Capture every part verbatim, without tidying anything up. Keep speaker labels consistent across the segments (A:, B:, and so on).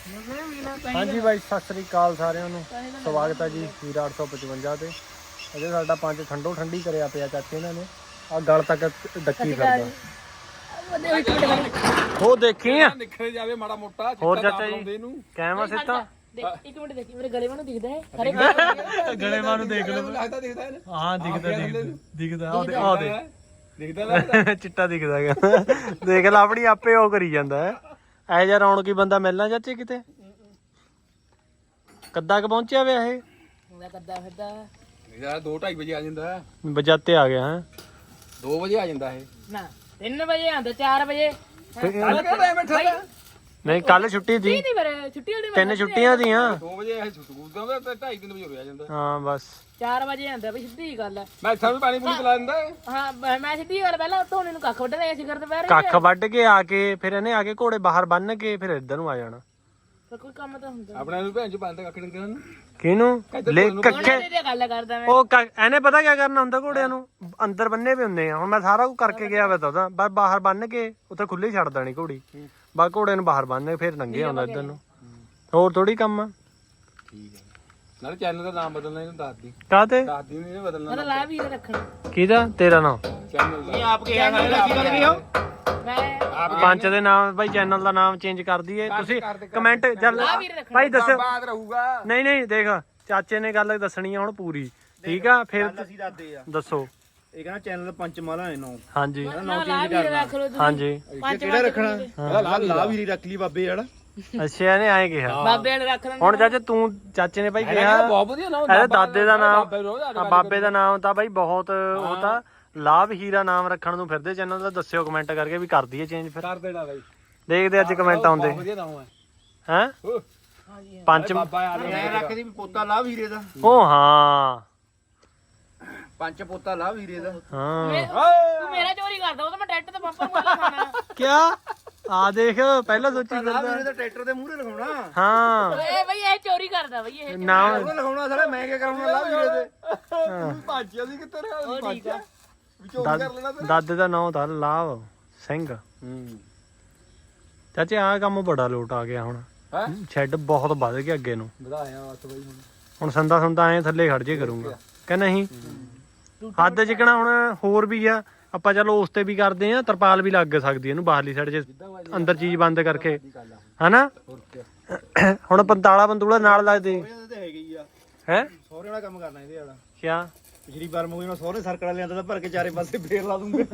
A: ਹਾਂਜੀ ਬਾਈ ਸਤਿ ਸ੍ਰੀ ਅਕਾਲ ਸਾਰਿਆਂ ਨੂੰ ਸਵਾਗਤ ਹੈ ਜੀ ਵੀਰ ਅੱਠ ਸੌ ਪਚਵੰਜਾ ਤੇ ਅਜੇ ਸਾਡਾ ਪੰਜ ਠੰਡੋ ਠੰਡੀ ਕਰਿਆ ਪਿਆ ਚਾਚੇ ਇਹਨਾਂ ਨੇ ਆ ਗਲ ਤੱਕ ਡੱਕੀ ਫਿਰਦਾ ਉਹ ਦੇਖੀ ਆ
B: ਨਿਖਰ ਜਾਵੇ ਮਾੜਾ ਮੋਟਾ
A: ਹੋਰ ਚਾਚਾ ਜੀ ਕਹਿਵਾ ਸਿੱਧਾ
C: ਇੱਕ ਮਿੰਟ ਦੇਖੀ ਮੇਰੇ ਗਲੇ ਨੂੰ ਦਿਖਦਾ ਹੈ ਹਰੇ
A: ਗਲੇ ਮਾਂ ਨੂੰ ਦੇਖ ਲਓ
B: ਲੱਗਦਾ ਦਿਖਦਾ ਹੈ
A: ਹਾਂ ਦਿਖਦਾ ਦਿਖਦਾ ਆ ਦੇ
B: ਦਿਖਦਾ ਲੱਗਦਾ
A: ਚਿੱਟਾ ਦਿਖਦਾ ਹੈਗਾ ਦੇਖ ਲੈ ਆਪਣੀ ਆਪੇ ਉਹ ਕਰੀ ਜਾਂਦਾ ਹੈ ਐ ਜਾ ਰੌਣਕੀ ਬੰਦਾ ਮਿਲਣਾ ਚਾਚੇ ਕਿਤੇ ਕੱਦਾ ਕ ਪਹੁੰਚਿਆ ਵੇ ਇਹ
C: ਮੈਂ ਕੱਦਾ ਫਿਰਦਾ
B: ਯਾਰ ਦੋ ਢਾਈ ਵਜੇ ਆ ਜਾਂਦਾ
A: ਬਜਾਤੇ ਆ ਗਿਆ ਹੈ
B: ਦੋ ਵਜੇ ਆ ਜਾਂਦਾ ਇਹ
C: ਨਾ ਤਿੰਨ ਵਜੇ ਆਂਦਾ ਚਾਰ ਵਜੇ
B: ਕੱਲ ਕਿਹੜਾ ਟਾਈਮ ਬੈਠਾ
A: ਨਹੀਂ ਕੱਲ ਛੁੱਟੀ ਸੀ
C: ਨਹੀਂ ਪਰ ਛੁੱਟੀ ਵਾਲੇ
A: ਤਿੰਨ ਛੁੱਟੀਆਂ ਦੀਆਂ
B: ਦੋ ਵਜੇ ਇਹ ਸਕੂਲ ਦਾ ਤੇ ਢਾਈ ਤਿੰਨ ਵਜੇ ਹੋ ਆ ਜਾਂਦਾ
A: ਹਾਂ ਬਸ
C: ਚਾਰ ਵਜੇ ਆਂਦਾ ਬਈ ਸਿੱਧੀ ਗੱਲ ਹੈ
B: ਮੈਂ ਇੱਥੇ ਵੀ ਪਾਣੀ ਪੂਰੀ ਪਿਲਾ ਦਿੰਦਾ
C: ਹਾਂ ਮੈਂ- ਮੈਂ ਸਿੱਧੀ ਗੱਲ ਪਹਿਲਾਂ ਧੋਣੇ ਨੂੰ ਕੱਖ ਵੱਢ ਲਿਆ ਸੀ ਕਰਦੇ ਪੈਰ
A: ਕੱਖ ਵੱਢ ਕੇ ਆ ਕੇ ਫਿਰ ਇਹਨੇ ਆ ਕੇ ਘੋੜੇ ਬਾਹਰ ਬੰਨ ਕੇ ਫਿਰ ਇੱਧਰ ਨੂੰ ਆ ਜਾਣਾ
C: ਫਿਰ ਕੋਈ ਕੰਮ ਤਾਂ ਹੁੰਦਾ
B: ਆਪਣੇ ਨੂੰ ਭੈਣ ਚ ਬੰਦ ਕੱਖ ਡੰਗਰਾਂ ਨੂੰ
A: ਕਿਹਨੂੰ ਲੈ ਕੱਖੇ
C: ਉਹਨੇ ਤੇ ਗੱਲ ਕਰਦਾ ਮੈਂ
A: ਉਹ ਕ- ਇਹਨੇ ਪਤਾ ਕੀ ਕਰਨਾ ਹੁੰਦਾ ਘੋੜਿਆਂ ਨੂੰ ਅੰਦਰ ਬੰਨੇ ਵੀ ਹੁੰਦੇ ਆ ਹੁਣ ਮੈਂ ਸਾਰਾ ਕੁਝ ਕਰਕੇ ਗਿਆ ਵਾ ਤਾਂ ਉਹਦਾ ਬਸ ਬਾਹਰ ਬੰਨ ਕੇ ਉੱਥੇ ਖੁੱਲੀ ਛੱਡ ਦੇਣੀ ਘੋੜੀ ਬਸ ਘੋੜੇ ਨੂੰ ਬਾਹਰ ਬੰਨ ਕੇ ਫਿਰ ਨੰਗੇ ਆਉਂਦਾ ਇੱਧਰ ਨੂੰ ਹੋਰ ਥੋੜੀ ਕੰਮ ਆ
B: ਠੀਕ ਹੈ ਨਾਲ ਚੈਨਲ ਦਾ ਨਾਮ ਬਦਲਣਾ ਇਹਨੂੰ ਦੱਸ ਦੀ
A: ਕਾਹਤੇ
B: ਦੱਸ ਦੀ ਨਹੀਂ ਬਦਲਣਾ
C: ਉਹਦਾ ਲਾ ਵੀ ਰੱਖਣਾ
A: ਕਿਹਦਾ ਤੇਰਾ ਨਾਮ
B: ਚੈਨਲ ਦਾ
C: ਆਪ ਕੇ ਆਣਾ ਮੈਂ
A: ਪੰਚ ਦੇ ਨਾਮ ਭਾਈ ਚੈਨਲ ਦਾ ਨਾਮ ਚੇਂਜ ਕਰ ਦਈਏ ਤੁਸੀਂ ਕਮੈਂਟ ਜਲ ਭਾਈ ਦੱਸੋ
B: ਬਾਅਦ ਰਹੂਗਾ
A: ਨਹੀਂ ਨਹੀਂ ਦੇਖ ਚਾਚੇ ਨੇ ਗੱਲ ਦੱਸਣੀ ਆ ਹੁਣ ਪੂਰੀ ਠੀਕ ਆ ਫਿਰ
D: ਅਸੀਂ ਦੱਸਦੇ ਆ
A: ਦੱਸੋ
D: ਇਹ ਕਹਿੰਦਾ ਚੈਨਲ ਪੰਚਮਾਲਾ ਹੈ ਨੌ
A: ਹਾਂਜੀ
C: ਨਾ ਲਾ ਵੀ ਰੱਖ ਲੋ ਤੁਸੀਂ
A: ਹਾਂਜੀ
D: ਕਿਹੜਾ ਰੱਖਣਾ ਲਾ ਲਾ ਵੀ ਰੱਖ ਲਈ ਬਾਬੇ ਵਾਲਾ
A: ਅੱਛਾ ਇਹਨੇ ਐਂ ਕਿਹਾ
C: ਬਾਬੇ ਵਾਲੇ ਰੱਖ ਲੈਂਦੇ
A: ਹੁਣ ਚਾਚੇ ਤੂੰ ਚਾਚੇ ਨੇ ਭਾਈ ਕਿਹਾ
B: ਬਹੁਤ ਵਧੀਆ ਨਾਮ
A: ਇਹਦੇ ਦਾਦੇ ਦਾ ਨਾਮ ਹਾਂ, ਬਾਬੇ ਦਾ ਨਾਮ ਤਾਂ ਬਾਈ ਬਹੁਤ ਉਹ ਤਾਂ ਲਾਭ ਹੀਰਾ ਨਾਮ ਰੱਖਣ ਨੂੰ ਫਿਰਦੇ ਚੈਨਲ ਦਾ ਦੱਸਿਓ ਕਮੈਂਟ ਕਰਕੇ ਵੀ ਕਰ ਦਈਏ ਚੇਂਜ ਫਿਰ
B: ਕਰ ਦੇਣਾ ਬਾਈ
A: ਦੇਖਦੇ ਅੱਜ ਕਮੈਂਟ ਆਉਂਦੇ
B: ਵਧੀਆ ਨਾਮ ਹੈ
A: ਹੈ
C: ਹਾਂਜੀ
A: ਪੰਜ
B: ਬਾਬਾ ਆ
D: ਮੈਂ ਰੱਖਦੀ ਪੋਤਾ ਲਾ ਵੀਰੇ ਦਾ
A: ਉਹ ਹਾਂ
D: ਪੰਜ ਪੋਤਾ ਲਾ ਵੀਰੇ ਦਾ
A: ਹਾਂ
C: ਤੂੰ ਮੇਰਾ ਚੋਰੀ ਕਰਦਾ ਉਹ ਤਾਂ ਮੈਂ ਟੈਟ ਤੇ ਪਾਪਾ ਨੂੰ ਗੱਲ ਖਾਣਾ
A: ਕਿਆ ਆ ਦੇਖ ਪਹਿਲਾਂ ਸੋਚੀ
D: ਲਾ
A: ਫਿਰਦਾ
D: ਵੀਰੇ ਦਾ ਟਰੈਕਟਰ ਦੇ ਮੂਹਰੇ ਲਗਾਉਣਾ
A: ਹਾਂ
C: ਏ ਬਈ ਇਹ ਚੋਰੀ ਕਰਦਾ ਬਈ ਇਹ
A: ਨਾਮ
D: ਉਹਨੇ ਲਗਾਉਣਾ ਸਾਲਾ ਮੈਂ ਕੀ ਕਰਾਉਣਾ ਲਾ ਵੀਰੇ ਦੇ
B: ਭਾਜਿਆ ਸੀ ਕਿੱਥੇ ਰਿਹਾ
C: ਉਹ ਠੀਕ ਆ
B: ਵਿੱਚੋਂ ਕਰ ਲੈਣਾ
A: ਦਾਦ- ਦਾਦੇ ਦਾ ਨਾਮ ਤਾਂ ਲਾਭ ਸਿੰਘ
B: ਹੂੰ
A: ਚਾਚੇ ਆਹ ਕੰਮ ਬੜਾ ਲੋਟ ਆ ਗਿਆ ਹੁਣ
B: ਹੈ
A: ਸ਼ੈੱਡ ਬਹੁਤ ਵੱਧ ਗਿਆ ਅੱਗੇ ਨੂੰ
B: ਵਧਾਇਆ ਬਸ ਬਾਈ ਹੁਣ
A: ਹੁਣ ਸੰਦਾ ਸੰਦਾ ਐ ਥੱਲੇ ਖੜ ਜੇ ਕਰੂੰਗਾ ਕਿ ਨਹੀਂ ਹੱਦ ਜਿਕਣਾ ਹੁਣ ਹੋਰ ਵੀ ਆ ਆਪਾਂ ਚਲੋ ਉਸ ਤੇ ਵੀ ਕਰਦੇ ਆ ਤਰਪਾਲ ਵੀ ਲੱਗ ਸਕਦੀ ਇਹਨੂੰ ਬਾਹਰਲੀ ਸਾਈਡ 'ਚ ਅੰਦਰ ਚੀਜ਼ ਬੰਦ ਕਰਕੇ ਹਨਾ
B: ਹੋਰ ਕੀ
A: ਹੁਣ ਪੰਤਾਲਾ ਬੰਦੂਲਾ ਨਾਲ ਲੱਗਦੇ
D: ਇਹਦੇ ਤੇ ਹੈਗੇ ਹੀ ਆ
A: ਹੈ
D: ਸਹੁਰੇ ਵਾਲਾ ਕੰਮ ਕਰਨਾ ਇਹਦੇ ਵਾਲਾ
A: ਕਿਆ
D: ਪਿਛਲੀ ਵਾਰ ਮੂਹਰੇ ਨਾਲ ਸਹੁਰੇ ਸਰਕੜਾ ਲਿਆਂਦਾ ਤਾਂ ਭਰ ਕੇ ਚਾਰੇ ਪਾਸੇ ਫੇਰ ਲਾ ਦੂੰਗੇ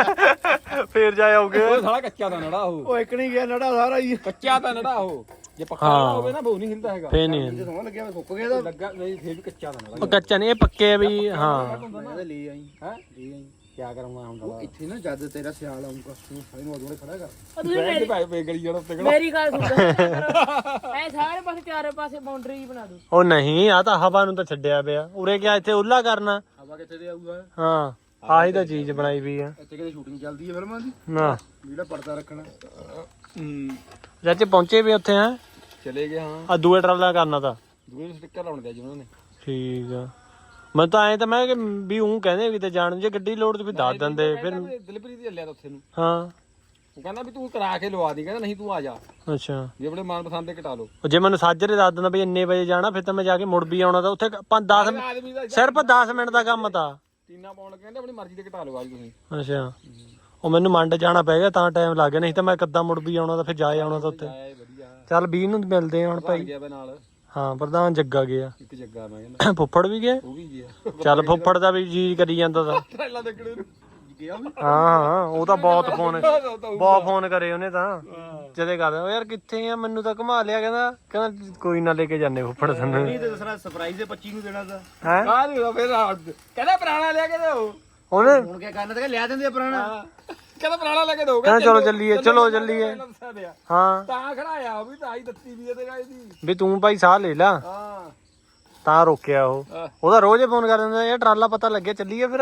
A: ਫੇਰ ਜਾ ਆਉਗੇ
B: ਉਹ ਸਾਲਾ ਕੱਚਾ ਤਾਂ ਨੜਾ ਉਹ
D: ਉਹ ਇੱਕ ਨਹੀਂ ਗਿਆ ਨੜਾ ਸਾਰਾ ਹੀ
B: ਕੱਚਾ ਤਾਂ ਨੜਾ ਉਹ ਜੇ ਪੱਕਾ ਨਾ ਹੋਵੇ ਨਾ ਬਹੁ ਨਹੀਂ ਹਿਲਦਾ ਹੈਗਾ
A: ਫੇਰ ਨਹੀਂ
D: ਜੇ ਸੋਹਣ ਲੱਗਿਆ ਮੈਂ ਸੁੱਕ ਗਿਆ ਤਾਂ
B: ਲੱਗਾ ਨਹੀਂ ਫੇਰ ਵੀ ਕੱਚਾ ਤਾਂ ਨੜਾ
A: ਉਹ ਕੱਚਾ ਨਹੀਂ ਇਹ ਪੱਕੇ ਆ ਵੀ ਹਾਂ
D: ਮੈਂ ਤਾਂ ਲੈ ਆਈ
B: ਹੈ
D: ਲੈ ਆਈ
B: ਕੀ ਕਰਾਂਗਾ ਹੁਣ
D: ਉਹ ਇੱਥੇ ਨਾ ਜਦ ਤੇਰਾ ਸਿਆਲ ਆਉਂਗਾ ਤੂੰ ਸਾਰੇ ਨੂੰ ਅਦੋਲੇ ਖੜਾ ਕਰ
C: ਉਹ ਤੁਸੀਂ
B: ਬੈਠ
C: ਮੇਰੀ
B: ਭਾਈ ਬੇਗਲੀ ਜਿਹੜਾ ਉੱਤੇ ਖੜਾ
C: ਮੇਰੀ ਗੱਲ ਸੁਣ ਐ ਸਾਰੇ ਪਾਸੇ ਚਾਰੇ ਪਾਸੇ ਬਾਉਂਡਰੀ ਬਣਾ ਦੋ
A: ਉਹ ਨਹੀਂ ਆ ਤਾਂ ਹਵਾ ਨੂੰ ਤਾਂ ਛੱਡਿਆ ਪਿਆ ਉਰੇ ਕਿਆ ਇੱਥੇ ਉੱਲਾ ਕਰਨਾ
D: ਹਵਾ ਕਿੱਥੇ ਦੇ ਆਊਗਾ
A: ਹਾਂ ਆਹੀ ਤਾਂ ਚੀਜ਼ ਬਣਾਈ ਵੀ ਆ
D: ਇੱਥੇ ਕਿਤੇ ਸ਼ੂਟਿੰਗ ਚੱਲਦੀ ਹੈ ਫਿਲਮਾਂ ਦੀ
A: ਨਾ
D: ਜਿਹੜਾ ਪਰਦਾ ਰੱਖਣਾ
B: ਹੂੰ
A: ਚਾਚੇ ਪਹੁੰਚੇ ਵੀ ਉੱਥੇ ਹੈ
B: ਚਲੇ ਗਏ ਹਾਂ
A: ਆ ਦੂਏ ਟਰਾਲਾ ਕਰਨਾ ਤਾਂ
B: ਦੂਏ ਸਟicker ਲਾਉਣ ਦੇ ਜੀ ਉਹਨਾਂ ਨੇ
A: ਠੀਕ ਆ ਮੈਂ ਤਾਂ ਐ ਤਾਂ ਮੈਂ ਕਿ ਵੀ ਉਹ ਕਹਿੰਦੇ ਵੀ ਤੇ ਜਾਣ ਜੇ ਗੱਡੀ ਲੋੜ ਤੇ ਵੀ ਦੱਸ ਦਿੰਦੇ ਫਿਰ
B: ਦਿਲਪ੍ਰੀਤ ਦੀ ਲਿਆ ਤਾਂ ਉੱਥੇ ਨੂੰ
A: ਹਾਂ
B: ਉਹ ਕਹਿੰਦਾ ਵੀ ਤੂੰ ਕਰਾ ਕੇ ਲਵਾ ਦੀ ਕਹਿੰਦਾ ਨਹੀਂ ਤੂੰ ਆ ਜਾ
A: ਅੱਛਾ
B: ਜੇ ਆਪਣੇ ਮਨ ਪਸੰਦ ਦੇ ਕਟਾ ਲਓ
A: ਉਹ ਜੇ ਮੈਨੂੰ ਸਾਜਰੇ ਦੱਸ ਦਿੰਦਾ ਵੀ ਇੰਨੇ ਵਜੇ ਜਾਣਾ ਫਿਰ ਤਾਂ ਮੈਂ ਜਾ ਕੇ ਮੁੜ ਵੀ ਆਉਣਾ ਤਾਂ ਉੱਥੇ ਪੰਜ ਦਸ
B: ਆਦਮੀ ਦਾ
A: ਸਿਰਫ ਦਸ ਮਿੰਟ ਦਾ ਕੰਮ ਤਾਂ
B: ਟੀਨਾ ਪਾਉਣ ਕਹਿੰਦੇ ਆਪਣੀ ਮਰਜ਼ੀ ਦੇ ਕਟਾ ਲਓ ਅੱਜ ਤੁਸੀਂ
A: ਅੱਛਾ ਉਹ ਮੈਨੂੰ ਮੰਡ ਜਾਣਾ ਪੈ ਗਿਆ ਤਾਂ ਟਾਈਮ ਲੱਗ ਗਿਆ ਨਹੀਂ ਤਾਂ ਮੈਂ ਕਿੱਦਾਂ ਮੁੜ ਵੀ ਆਉਣਾ ਤਾਂ ਫਿਰ ਜਾ ਆਉਣਾ ਤਾਂ ਉੱਥੇ
B: ਆਇਆ ਵਧੀਆ
A: ਚੱਲ ਵੀਹ ਨੂੰ ਮਿਲਦੇ ਆ ਹੁਣ ਭਾਈ
B: ਗਿਆ ਵੇ ਨਾਲ
A: ਹਾਂ ਪ੍ਰਧਾਨ ਜੱਗਾ ਗਿਆ
B: ਇੱਕ ਜੱਗਾ ਮੈਂ ਕਹਿੰਦਾ
A: ਫੁੱਫੜ ਵੀ ਗਿਆ
B: ਉਹ ਵੀ ਗਿਆ
A: ਚੱਲ ਫੁੱਫੜ ਦਾ ਵੀ ਜੀ ਕਰੀ ਜਾਂਦਾ ਤਾਂ
B: ਟ੍ਰੇਲਾ ਦੇਖਣੇ ਨੂੰ ਗਿਆ ਵੀ
A: ਹਾਂ ਹਾਂ ਉਹ ਤਾਂ ਬਹੁਤ ਫੋਨ ਬਹੁਤ ਫੋਨ ਕਰੇ ਉਹਨੇ ਤਾਂ ਜਦੇ ਕਰਦਾ ਉਹ ਯਾਰ ਕਿੱਥੇ ਆ ਮੈਨੂੰ ਤਾਂ ਘੁਮਾ ਲਿਆ ਕਹਿੰਦਾ ਕਹਿੰਦਾ ਕੋਈ ਨਾ ਲੈ ਕੇ ਜਾਣੇ ਫੁੱਫੜ ਸਾਨੂੰ
D: ਨਹੀਂ ਤੇ ਦੱਸਣਾ ਸਰਪ੍ਰਾਈਜ਼ ਦੇ ਪੱਚੀ ਨੂੰ ਦੇਣਾ ਤਾਂ
A: ਹੈ
B: ਆ ਨਹੀਂ ਫਿਰ ਕਹਿੰਦਾ ਪੁਰਾਣਾ ਲਿਆ ਕੇ ਦਿਓ
A: ਉਹਨੇ
D: ਹੁਣ ਕੀ ਕਰਨਾ ਤੇ ਲਿਆ ਦਿੰਦੇ ਆ ਪੁਰਾਣਾ
B: ਕਹਿੰਦਾ ਪੁਰਾਣਾ ਲੈ ਕੇ ਦਿਓ
A: ਕਹਿੰਦਾ ਚਲੋ ਚੱਲੀਏ ਚਲੋ ਚੱਲੀਏ ਹਾਂ
B: ਤਾਂ ਖੜਾਇਆ ਉਹ ਵੀ ਤਾਂ ਹੀ ਦਿੱਤੀ ਵੀ ਤੇ ਗਾਈ ਦੀ
A: ਵੀ ਤੂੰ ਭਾਈ ਸਾਹ ਲੈ ਲਾ
B: ਹਾਂ
A: ਤਾਂ ਰੋਕਿਆ ਉਹ ਉਹਦਾ ਰੋਜ਼ ਹੀ ਫੋਨ ਕਰ ਦਿੰਦਾ ਯਾਰ ਟਰਾਲਾ ਪਤਾ ਲੱਗਿਆ ਚੱਲੀਏ ਫਿਰ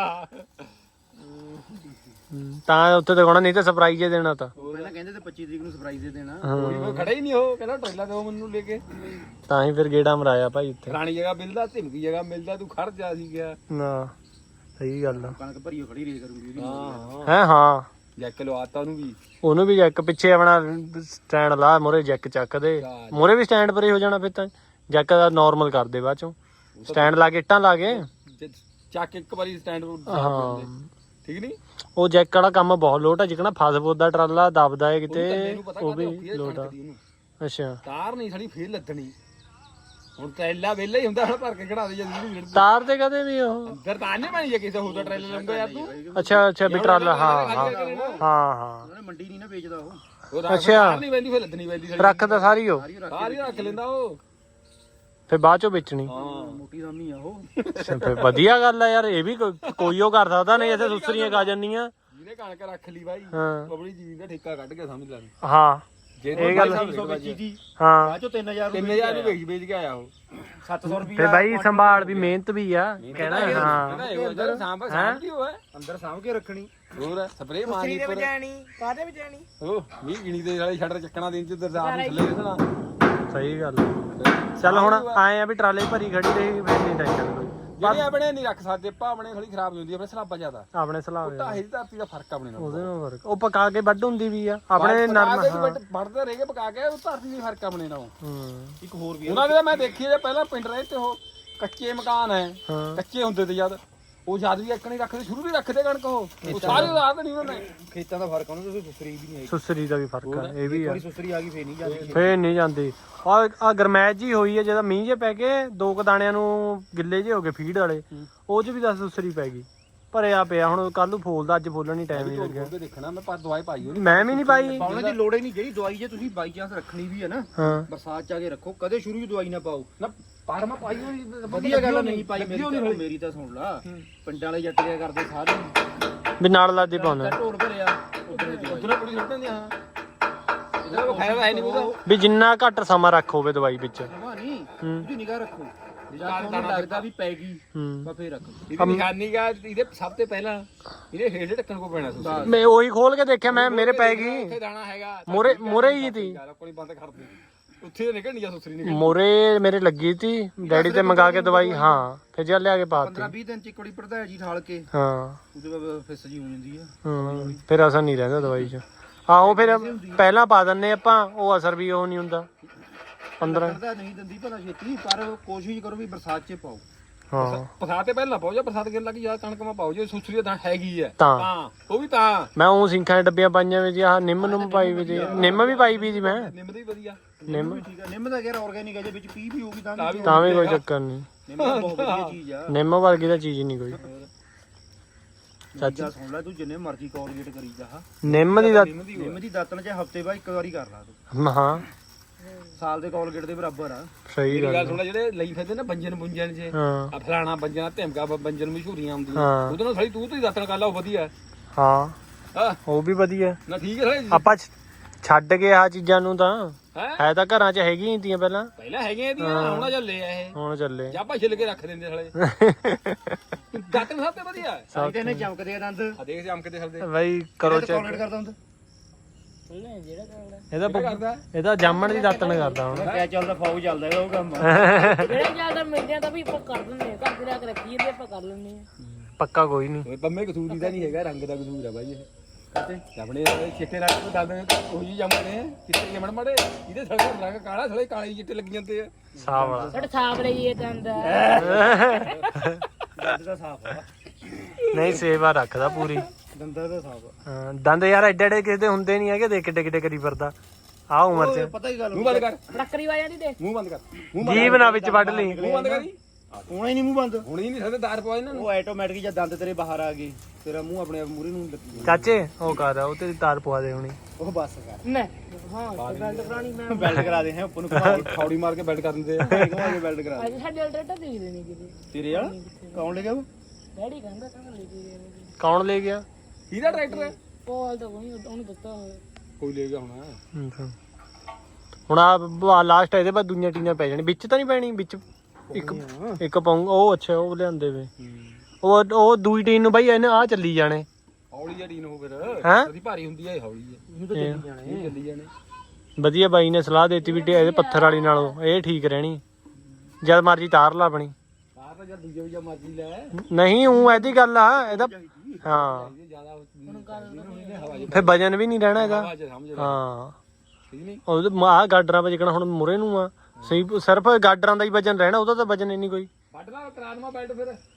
A: ਤਾਂ ਉੱਥੇ ਦਿਖਾਉਣਾ ਨਹੀਂ ਤਾਂ ਸਰਪ੍ਰਾਈਜ਼ ਹੀ ਦੇਣਾ ਤਾਂ
D: ਪਹਿਲਾਂ ਕਹਿੰਦੇ ਤੇ ਪੱਚੀ ਤਰੀਕ ਨੂੰ ਸਰਪ੍ਰਾਈਜ਼ ਦੇ ਦੇਣਾ
B: ਕੋਈ ਖੜਾ ਹੀ ਨਹੀਂ ਉਹ ਕਹਿੰਦਾ ਟ੍ਰੇਲਾ ਦਿਓ ਮੈਨੂੰ ਲੈ ਕੇ
A: ਤਾਂ ਹੀ ਫਿਰ ਗੇੜਾ ਮਰਾਇਆ ਭਾਈ ਉੱਥੇ
B: ਪੁਰਾਣੀ ਜਗ੍ਹਾ ਮਿਲਦਾ ਧਿਮਕੀ ਜਗ੍ਹਾ ਮਿਲਦਾ ਤੂੰ ਖੜ ਜਾ ਸੀ ਗਿਆ
A: ਨਾ ਸਹੀ ਗੱਲ ਆ
D: ਕਣਕ ਭਰੀਓ ਖੜੀ ਰੇ ਕਰੂੰਗੀ
B: ਹਾਂ
A: ਹੈ ਹਾਂ
B: ਜੈਕ ਲਵਾਤਾ ਉਹਨੂੰ ਵੀ
A: ਉਹਨੂੰ ਵੀ ਜੈਕ ਪਿੱਛੇ ਆਪਣਾ ਸਟੈਂਡ ਲਾ ਮੋਰੇ ਜੈਕ ਚੱਕ ਦੇ ਮੋਰੇ ਵੀ ਸਟੈਂਡ ਪਰੇ ਹੋ ਜਾਣਾ ਫਿਰ ਤਾਂ ਜੈਕ ਦਾ ਨਾਰਮਲ ਕਰ ਦੇ ਬਾਅਦ ਚੋਂ ਸਟੈਂਡ ਲਾ ਕੇ ਇੱਟਾਂ ਲਾ ਕੇ
B: ਜੇ ਚੱਕ ਇੱਕ ਵਾਰੀ ਸਟੈਂਡ
A: ਹਾਂ
B: ਠੀਕ ਨਹੀਂ
A: ਉਹ ਜੈਕ ਵਾਲਾ ਕੰਮ ਬਹੁਤ ਲੋਟ ਆ ਜਿਕਣਾ ਫਾਸਫੋਰਡ ਦਾ ਟਰਾਲਾ ਦਬਦਾ ਹੈ ਕਿਤੇ ਉਹ ਵੀ ਲੋਟ ਆ ਅੱਛਾ
B: ਤਾਰ ਨਹੀਂ ਸਾਡੀ ਫੇਰ ਲੱਦਣੀ ਹੁਣ ਟ੍ਰੇਲਾ ਵਿਹਲਾ ਹੀ ਹੁੰਦਾ ਹੁਣ ਭਰ ਕੇ ਖੜਾ ਦੇ ਜਾਂਦੀ
A: ਤਾਰ ਤੇ ਕਦੇ ਵੀ ਉਹ
B: ਅੰਦਰ ਤਾਂ ਨਹੀਂ ਬਣੀ ਜੇ ਕਿਸੇ ਹੋਰ ਦਾ ਟ੍ਰੇਲਾ ਲੰਗਾ ਯਾਰ ਤੂੰ
A: ਅੱਛਾ ਅੱਛਾ ਵੀ ਟਰਾਲਾ ਹਾਂ ਹਾਂ ਹਾਂ ਹਾਂ
D: ਉਹਨੇ ਮੰਡੀ ਨਹੀਂ ਨਾ ਵੇਚਦਾ ਉਹ
B: ਉਹ
A: ਅੱਛਾ
B: ਨਹੀਂ ਪੈਂਦੀ ਫੇਰ ਲੱਦਣੀ ਪੈਂਦੀ
A: ਰੱਖ ਤਾਂ ਸਾਰੀ ਉਹ
B: ਸਾਰੀ ਰੱਖ ਲੈਂਦਾ ਉਹ
A: ਫਿਰ ਬਾਅਦ ਚੋਂ ਵੇਚਣੀ
B: ਹਾਂ
D: ਮੋਟੀ ਸਾਮੀ ਆ ਉਹ
A: ਫਿਰ ਵਧੀਆ ਗੱਲ ਆ ਯਾਰ ਇਹ ਵੀ ਕੋਈ- ਕੋਈ ਉਹ ਕਰ ਸਕਦਾ ਨਹੀਂ ਇੱਥੇ ਸੁਸਰੀਆਂ ਖਾ ਜਾਂਦੀਆਂ
B: ਜਿਹਨੇ ਕਣਕ ਰੱਖ ਲਈ ਬਾਈ
A: ਹਾਂ
B: ਆਪਣੀ ਜ਼ਮੀਨ ਦਾ ਠੇਕਾ ਕੱਢ ਕੇ ਸਮਝ ਲੈ
A: ਹਾਂ
B: ਜੇ
A: ਇਹ ਗੱਲ
D: ਸੱਤ ਸੌ ਵੇਚੀ ਦੀ
A: ਹਾਂ
D: ਬਾਅਦ ਚੋਂ ਤਿੰਨ ਹਜ਼ਾਰ
B: ਤਿੰਨ ਹਜ਼ਾਰ ਨੂੰ ਵੇਚ ਵੇਚ ਕੇ ਆਇਆ ਉਹ
D: ਸੱਤ ਸੌ ਰੁਪਏ
A: ਫਿਰ ਬਾਈ ਸੰਭਾਲ ਵੀ ਮਿਹਨਤ ਵੀ ਆ ਕਹਿਣਾ ਹਾਂ
B: ਅੰਦਰ ਸਾਂਭ ਸਾਂਭ ਕੀ ਹੋਇਆ
D: ਅੰਦਰ ਸਾਂਭ ਕੇ ਰੱਖਣੀ
B: ਹੋਰ ਸਪਰੇ ਮਾਰਨੀ ਉੱਪਰ
C: ਕਾਹਦੇ ਵਿੱਚ ਜਾਣੀ
B: ਉਹ ਮੀਂਹ ਗਿਣੀ ਦੇ ਵਾਲੇ ਸ਼ਟਰ ਚੱਕਣਾ ਦਿਨ ਚ ਦਰਦਾਰ ਨੂੰ ਥੱਲੇ ਦੇਣਾ
A: ਸਹੀ ਗੱਲ ਆ। ਚੱਲ ਹੁਣ ਆਏ ਆ ਵੀ ਟਰਾਲੇ ਭਰੀ ਖੜੀ ਰਹੀ ਫਿਰ ਨਹੀਂ ਟੈਨਸ਼ਨ ਕੋਈ
B: ਜਿਹੜੇ ਆਪਣੇ ਨਹੀਂ ਰੱਖ ਸਕਦੇ ਆਪਾਂ ਆਪਣੇ ਥੋੜੀ ਖਰਾਬ ਨਹੀਂ ਹੁੰਦੀ ਆਪਣੇ ਸਲਾਬਾ ਜ਼ਿਆਦਾ
A: ਆਪਣੇ ਸਲਾਬ
B: ਢਾਹੇ ਦੀ ਧਰਤੀ ਦਾ ਫਰਕ ਆਪਣੇ ਨਾਲ
A: ਉਹਦੇ ਨਾਲ ਫਰਕ ਉਹ ਪਕਾ ਕੇ ਵੱਢ ਹੁੰਦੀ ਵੀ ਆ ਆਪਣੇ ਨਰਮ ਹਾਂ
B: ਵੱਢਦੇ ਰਹਿ ਕੇ ਪਕਾ ਕੇ ਉਹ ਧਰਤੀ ਦੀ ਫਰਕ ਆਪਣੇ ਨਾਲ
A: ਹੂੰ
D: ਇੱਕ ਹੋਰ ਵੀ
B: ਉਹਨਾਂ ਦੇ ਮੈਂ ਦੇਖੀ ਜੇ ਪਹਿਲਾਂ ਪਿੰਡ ਰਹੇ ਤੇ ਉਹ ਕੱਚੇ ਮਕਾਨ ਹੈ
A: ਹਾਂ
B: ਕੱਚੇ ਹੁੰਦੇ ਤੇ ਜਦ ਉਹ ਜਦ ਵੀ ਇੱਕ ਨਹੀਂ ਰੱਖਦੇ ਸ਼ੁਰੂ ਵੀ ਰੱਖਦੇ ਕਣਕ ਉਹ ਉਹ ਸਾਰੇ ਰਾਤ ਨਹੀਂ ਉਹਨਾਂ ਨੇ
D: ਖੇਤਾਂ ਦਾ ਫਰਕ ਉਹਨਾਂ ਤੋਂ ਸੁਸਰੀ ਵੀ ਨਹੀਂ ਆਈ
A: ਸੁਸਰੀ ਦਾ ਵੀ ਫਰਕ ਆ ਇਹ ਵੀ ਆ
D: ਥੋੜੀ ਸੁਸਰੀ ਆ ਗਈ ਫੇਰ ਨਹੀਂ ਜਾਂਦੀ
A: ਫੇਰ ਨਹੀਂ ਜਾਂਦੀ ਆ ਆ ਗਰਮੈਸ਼ ਜੀ ਹੋਈ ਹੈ ਜਦੋਂ ਮੀਂਹ ਜੇ ਪੈ ਕੇ ਦੋ ਕ ਦਾਣਿਆਂ ਨੂੰ ਗਿੱਲੇ ਜੇ ਹੋ ਗਏ ਫੀਡ ਵਾਲੇ ਉਹ ਚ ਵੀ ਦਸ ਸੁਸਰੀ ਪੈ ਗਈ ਭਰਿਆ ਪਿਆ ਹੁਣ ਕੱਲ ਨੂੰ ਫੋਲਦਾ ਅੱਜ ਫੋਲਣ ਨਹੀਂ ਟਾਈਮ ਨਹੀਂ ਲੱਗਿਆ
B: ਉਹ ਦੇਖਣਾ ਮੈਂ ਪਰ ਦਵਾਈ ਪਾਈ ਹੋਣੀ
A: ਮੈਂ ਵੀ ਨਹੀਂ ਪਾਈ
D: ਪਾਉਣ ਦੀ ਲੋੜ ਹੀ ਨਹੀਂ ਜਿਹੜੀ ਦਵਾਈ ਜੇ ਤੁਸੀਂ ਬਾਈ ਚਾਂਸ ਰੱਖਣੀ ਵੀ ਹੈ ਨਾ
A: ਹਾਂ
D: ਬਰਸਾਤ ਚ ਆ ਕੇ ਰੱਖੋ ਕਦੇ ਸ਼ੁਰੂ ਹੀ ਦਵਾਈ ਨਾ ਪਾਓ
B: ਨਾ ਪਰ ਮੈਂ ਪਾਈ ਹੋਣੀ
D: ਵਧੀਆ ਗੱਲ ਨਹੀਂ ਪਾਈ ਮੇਰੀ ਤਾਂ ਮੇਰੀ ਤਾਂ ਸੁਣ ਲਾ ਪਿੰਡਾਂ ਵਾਲੇ ਜੱਟ ਕਿਆ ਕਰਦੇ ਸਾਰੇ
A: ਵੀ ਨਾਲ ਲਾਦੇ ਪਾਉਣਾ
D: ਢੋਲ ਭਰਿਆ ਉਧਰ ਦਵਾਈ
B: ਉਧਰ ਕੁੜੀ ਸੁੱਟਣ ਦੀ ਹਾਂ ਇਹਦਾ ਕੋਈ ਫਾਇਦਾ ਹੈ ਨਹੀਂ ਉਹਦਾ
A: ਵੀ ਜਿੰਨਾ ਘੱਟ ਸਮਾਂ ਰੱਖ ਹੋਵੇ ਦਵਾਈ ਵਿੱਚ
D: ਜਮਾ ਨਹੀਂ
A: ਹੂੰ
D: ਉਹਦੀ ਨਿਗਾਹ ਰੱਖੋ ਜਾਂ ਤੁਹਾਨੂੰ ਲੱਗਦਾ ਵੀ ਪੈ ਗਈ
A: ਹੂੰ
D: ਬਸ ਫੇਰ ਰੱਖੋ
B: ਇਹਦੀ ਨਿਸ਼ਾਨੀ ਗਾ ਇਹਦੇ ਸਭ ਤੋਂ ਪਹਿਲਾਂ ਇਹਦੇ ਹੇਠ ਢੱਕਣ ਕੋ ਪੈਣਾ ਸੁਸਰੀ
A: ਮੈਂ ਉਹੀ ਖੋਲ ਕੇ ਦੇਖਿਆ ਮੈਂ ਮੇਰੇ ਪੈ ਗਈ
B: ਉੱਥੇ ਦਾਣਾ ਹੈਗਾ
A: ਮੋਰੇ ਮੋਰੇ ਹੀ ਤੀ
B: ਯਾਰ ਕੋਈ ਬੰਦ ਕਰ ਦੇ ਉੱਥੇ ਨਿਕਲਣੀ ਜਾਂ ਸੁਸਰੀ ਨਿਕਲ
A: ਮੋਰੇ ਮੇਰੇ ਲੱਗੀ ਤੀ ਡੈਡੀ ਤੇ ਮੰਗਾ ਕੇ ਦਵਾਈ ਹਾਂ ਫਿਰ ਜਾ ਲਿਆ ਕੇ ਪਾਤੀ
D: ਪੰਦਰਾਂ ਵੀਹ ਦਿਨ ਚ ਇੱਕ ਵਾਰੀ ਪੜਦਾ ਜੀ ਠਾਲ ਕੇ
A: ਹਾਂ
D: ਉਹਦੇ ਬਾਅਦ ਫਿਸ ਜੀ ਹੋ ਜਾਂਦੀ ਆ
A: ਹੂੰ ਫਿਰ ਅਸਰ ਨਹੀਂ ਰਹਿੰਦਾ ਦਵਾਈ 'ਚ ਆਹੋ ਫਿਰ ਪਹਿਲਾਂ ਪਾ ਦਿੰਨੇ ਆਪਾਂ ਉਹ ਅਸਰ ਵੀ ਉਹ ਨਹੀਂ ਹੁੰਦਾ ਪੰਦਰਾਂ
D: ਪੜਦਾ ਨਹੀਂ ਦਿੰਦੀ ਭਲਾ ਛੇਤੀ ਪਰ ਕੋਸ਼ਿਸ਼ ਕਰੋ ਵੀ ਬਰਸਾਤ ਚ ਪਾਓ
A: ਹਾਂ
B: ਬਰਸਾਤ ਤੇ ਪਹਿਲਾਂ ਪਾਓ ਜਾਂ ਬਰਸਾਤ ਗਿਰ ਲੱਗੀ ਜਾਂ ਕਣਕ ਮਾ ਪਾਓ ਜੇ ਸੁਸਰੀ ਤਾਂ ਹੈਗੀ ਹੈ
A: ਤਾਂ
B: ਤਾਂ ਉਹ ਵੀ ਤਾਂ
A: ਮੈਂ ਉਹ ਸਿੰਖਾਂ ਦੇ ਡੱਬੀਆਂ ਪਾਈਆਂ ਵੀ ਜੀ ਆਹ ਨਿੰਮ ਨੂੰ ਪਾਈ ਵੀ ਜੀ ਨਿੰਮ ਵੀ ਪਾਈ ਵੀ ਜੀ ਮੈਂ
B: ਨਿੰਮ ਦੀ ਵਧੀਆ
A: ਨਿੰਮ
D: ਠੀਕ ਆ ਨਿੰਮ ਦਾ ਯਾਰ ਆਰਗੈਨਿਕ ਹੈ ਜੇ ਵਿੱਚ ਪੀ ਵੀ ਹੋਊਗੀ ਤਾਂ ਵੀ
A: ਤਾਂ ਵੀ ਕੋਈ ਚੱਕਰ ਨਹੀਂ
D: ਨਿੰਮ ਤਾਂ ਬਹੁਤ ਵਧੀਆ ਚੀਜ਼ ਆ
A: ਨਿੰਮ ਵਰਗੀ ਤਾਂ ਚੀਜ਼ ਨਹੀਂ ਕੋਈ
D: ਚਾਚਾ ਸੁਣ ਲੈ ਤੂੰ ਜਿੰਨੇ ਮਰਜ਼ੀ ਕੋਲਗੇਟ ਕਰੀ ਜਾ
A: ਨਿੰਮ ਦੀ ਤਾਂ
D: ਨਿੰਮ ਦੀ ਦਾਤਣ ਚ ਹਫਤੇ ਬਾਅਦ ਇੱਕ ਵਾਰੀ ਕਰ ਲਾ ਤੂੰ
A: ਹਾਂ
D: ਸਾਲ ਦੇ ਕੋਲਗੇਟ ਦੇ ਬਰਾਬਰ ਆ
A: ਸਹੀ
B: ਗੱਲ
A: ਗੱਲ
B: ਸੁਣਾ ਜਿਹੜੇ ਲਈ ਫਿਰਦੇ ਨਾ ਬੰਜਨ ਬੁੰਜਨ ਜੇ
A: ਹਾਂ
B: ਆ ਫਲਾਣਾ ਬੰਜਨ ਧਮਕਾ ਬੰਜਨ ਮਸ਼ਹੂਰੀਆਂ ਆਉਂਦੀਆਂ
A: ਹਾਂ।
B: ਉਹਦੇ ਨਾਲ ਸਾਡੀ ਤੂੰ ਤੂੰ ਹੀ ਦਾਤਣ ਕਰ ਲਾ ਉਹ ਵਧੀਆ
A: ਹਾਂ
B: ਹਾਂ
A: ਉਹ ਵੀ ਵਧੀਆ
B: ਨਾ ਠੀਕ ਹੈ ਸਾਡੀ
A: ਆਪਾਂ ਛ- ਛੱਡ ਗਏ ਆ ਚੀਜ਼ਾਂ ਨੂੰ ਤਾਂ
B: ਹੈ
A: ਹੈ ਤਾਂ ਘਰਾਂ 'ਚ ਹੈਗੀਆਂ ਹੀ ਤੀਆਂ ਪਹਿਲਾਂ
B: ਪਹਿਲਾਂ ਹੈਗੇ ਇਹਦੀਆਂ ਹੁਣ ਚੱਲੇ ਆ ਇਹ
A: ਹੁਣ ਚੱਲੇ
B: ਜਾਂ ਆਪਾਂ ਛਿੱਲ ਕੇ ਰੱਖ ਦਿੰਦੇ ਸਾਲੇ ਦਾਤਣ ਸਭ ਤੋਂ ਵਧੀਆ ਹੈ
D: ਸਾਈਡ ਇਹਨੇ ਚਮਕਦੇ ਆ ਦੰਦ
B: ਆ ਦੇਖ ਚਮਕਦੇ ਫਿਰਦੇ
A: ਬਈ ਕਰੋ ਚੈੱਕ
D: ਕੋਲਗੇਟ ਕਰਦਾ ਹੁੰਦਾ
C: ਨਹੀਂ ਜਿਹੜਾ ਕਰਦਾ
A: ਇਹਦਾ
B: ਕਿਹੜਾ ਕਰਦਾ
A: ਇਹਦਾ ਜਾਮਣ ਦੀ ਦਾਤਣ ਕਰਦਾ ਹੁਣ
D: ਕਿਆ ਚੱਲਦਾ ਫੌਜ ਚੱਲਦਾ ਇਹਦਾ ਉਹ ਕੰਮ
C: ਜਿਹੜਾ ਜਿਆਦਾ ਮਿਲਦੇ ਆ ਤਾਂ ਵੀ ਆਪਾਂ ਕਰ ਦਿੰਦੇ ਆ ਘਰ ਦੇ ਰੱਖ ਰੱਖੀ ਜਾਂਦੇ ਆਪਾਂ ਕਰ ਲੈਂਦੇ ਆ
A: ਪੱਕਾ ਕੋਈ ਨਹੀਂ
B: ਓਏ ਪੰਮੇ ਕਸੂਰੀ ਦਾ ਨਹੀਂ ਹੈਗਾ ਰੰਗ ਦਾ ਕਸੂਰ ਹੈ ਬਾਈ ਇਹ ਕਹਤੇ ਆਪਣੇ ਚਿੱਟੇ ਰੰਗ ਤੋਂ ਦੱਸਦੇ ਨੇ ਉਹ ਜੀ ਜੰਮਦੇ ਆ ਚਿੱਟੇ ਜਮਣ ਮੜੇ ਇਹਦੇ ਥੜੇ ਰੰਗ ਕਾਲਾ ਥੜੇ ਕਾਲੇ ਹੀ ਚਿੱਟੇ ਲੱਗ ਜਾਂਦੇ ਆ
A: ਸਾਹ ਵਾਲਾ
C: ਸਾਡੇ ਸਾਫ ਲਈਏ ਦੰਦ
D: ਦੰਦ ਦਾ ਸਾਫ ਆ
A: ਨਹੀਂ ਸੇਵਾ ਰੱਖਦਾ ਪੂਰੀ
D: ਦੰਦਾਂ ਦਾ ਸਾਫ ਆ
A: ਹਾਂ, ਦੰਦ ਯਾਰ ਐਡੇ ਐਡੇ ਕਿਸੇ ਦੇ ਹੁੰਦੇ ਨਹੀਂ ਹੈਗੇ ਦੇਖ ਕਿੱਡੇ ਕਿੱਡੇ ਕਰੀ ਫਿਰਦਾ ਆ ਉਮਰ
D: ਓਏ,
A: 'ਚ
D: ਪਤਾ ਹੀ ਗੱਲ
B: ਮੂੰਹ ਬੰਦ ਕਰ
C: ਟੱਕਰੀ ਵਾ ਜਾਂਦੀ ਤੇ
B: ਮੂੰਹ ਬੰਦ ਕਰ ਮੂੰਹ
A: ਜੀਭ ਨਾ ਵਿੱਚ ਵੱਢ ਲਈ
B: ਮੂੰਹ ਬੰਦ ਕਰੀ
D: ਹੋਣਾ ਹੀ ਨਹੀਂ ਮੂੰਹ ਬੰਦ
B: ਹੁਣ ਹੀ ਨਹੀਂ ਸਕਦੇ ਦਾਰ ਪਵਾ ਇਹਨਾਂ ਨੂੰ
D: ਉਹ ਆਟੋਮੈਟਿਕ ਜਦ ਦੰਦ ਤੇਰੇ ਬਾਹਰ ਆ ਗਏ ਤੇਰਾ ਮੂੰਹ ਆਪਣੇ ਆਪ ਮੂਰੇ ਨੂੰ ਲੱਗੀ
A: ਚਾਚੇ ਉਹ ਕਰ ਉਹ ਤੇਰੀ ਤਾਰ ਪਵਾ ਦੇ ਹੁਣੀ
D: ਉਹ ਬੱਸ ਕਰ
C: ਮੈਂ ਹਾਂ ਬੈਲਟ ਪੁਰਾਣੀ ਮੈਂ
D: ਬੈਲਟ ਕਰਾ ਦੇ ਹੈ ਉੱਪਰ ਨੂੰ
B: ਖੌੜੀ ਮਾਰ ਕੇ ਬੈਠ ਕਰ ਦਿੰਦੇ ਆ
D: ਘੁਮਾ ਕੇ ਬੈਲਟ ਕਰਾ ਦੇ
C: ਅੱਜ ਸਾਡੇ ਅਲਟਰੇਟਰ ਦੇਖਦੇ ਨਹੀਂ ਕਿਤੇ
D: ਤੇਰੇ ਵਾਲਾ ਕੌਣ ਲੈ ਗਿਆ ਉਹ
C: ਡੈਡੀ ਕਹਿੰਦਾ ਕਹਿੰਦਾ ਲੈ ਕੇ ਗਿਆ
A: ਕੌਣ ਲੈ ਗਿਆ
B: ਕਿਹਦਾ ਟਰੈਕਟਰ ਹੈ
C: ਪੋਲ ਤਾਂ ਕੋਈ ਉਹਨੂੰ ਦਿੱਤਾ ਹੋਇਆ
B: ਕੋਈ ਲੈ ਗਿਆ ਹੁਣ
A: ਅੱਛਾ। ਹੁਣ ਆ ਲਾਸਟ ਇਹਦੇ ਬਾਅਦ ਦੁਨੀਆ ਟੀਨਾਂ ਪੈ ਜਾਣੀ ਵਿੱਚ ਤਾਂ ਨਹੀਂ ਪੈਣੀ ਵਿੱਚ ਇੱਕ ਇੱਕ ਪਾਉਂ ਉਹ ਅੱਛਾ ਉਹ ਲਿਆਂਦੇ ਵੇ ਉਹ ਉਹ ਦੂਈ ਟੀਨ ਨੂੰ ਬਾਈ ਇਹਨੇ ਆ ਚੱਲੀ ਜਾਣੇ
B: ਹੌਲੀ ਜਿਹੀ ਟੀਨ ਹੋ ਫਿਰ
A: ਹੈਂ?
B: ਉਹਦੀ ਭਾਰੀ ਹੁੰਦੀ ਹੈ ਇਹ ਹੌਲੀ ਹੈ
D: ਇਹਨੂੰ ਤਾਂ ਚੱਲੀ ਜਾਣਾ
B: ਇਹ ਚੱਲੀ ਜਾਣੇ
A: ਵਧੀਆ ਬਾਈ ਨੇ ਸਲਾਹ ਦਿੱਤੀ ਵੀ ਇਹਦੇ ਪੱਥਰ ਵਾਲੀ ਨਾਲੋਂ ਇਹ ਠੀਕ ਰਹਿਣੀ ਜਦ ਮਰਜੀ ਤਾਰ ਲਾ ਆਪਣੀ
B: ਆਹ ਤਾਂ ਜਦ ਦੂਜੇ ਵੀ ਮਰਜ਼ੀ ਲੈ
A: ਨਹੀਂ ਉਹ ਇਹਦੀ ਗੱਲ ਆ ਇਹਦਾ ਹਾਂ
B: ਇਹ ਜ਼ਿਆਦਾ ਹੁਣ ਹਵਾ ਚ
A: ਫਿਰ ਵਜਨ ਵੀ ਨਹੀਂ ਰਹਿਣਾ ਇਹਦਾ
B: ਹਵਾ ਚ ਸਮਝ ਲੈ
A: ਹਾਂ
B: ਠੀਕ ਨਹੀਂ
A: ਉਹ ਆ ਗਾਡਰਾਂ 'ਤੇ ਜਿਕਣਾ ਹੁਣ ਮੁਰੇ ਨੂੰ ਆ ਸਹੀ ਸਿਰਫ ਗਾਡਰਾਂ ਦਾ ਹੀ ਵਜਨ ਰਹਿਣਾ ਉਹਦਾ ਤਾਂ ਵਜਨ ਹੀ ਨਹੀਂ ਕੋਈ
B: ਵੱਢ ਲਾ ਕਰਾ ਦਮਾ ਬੈਲਟ ਫਿਰ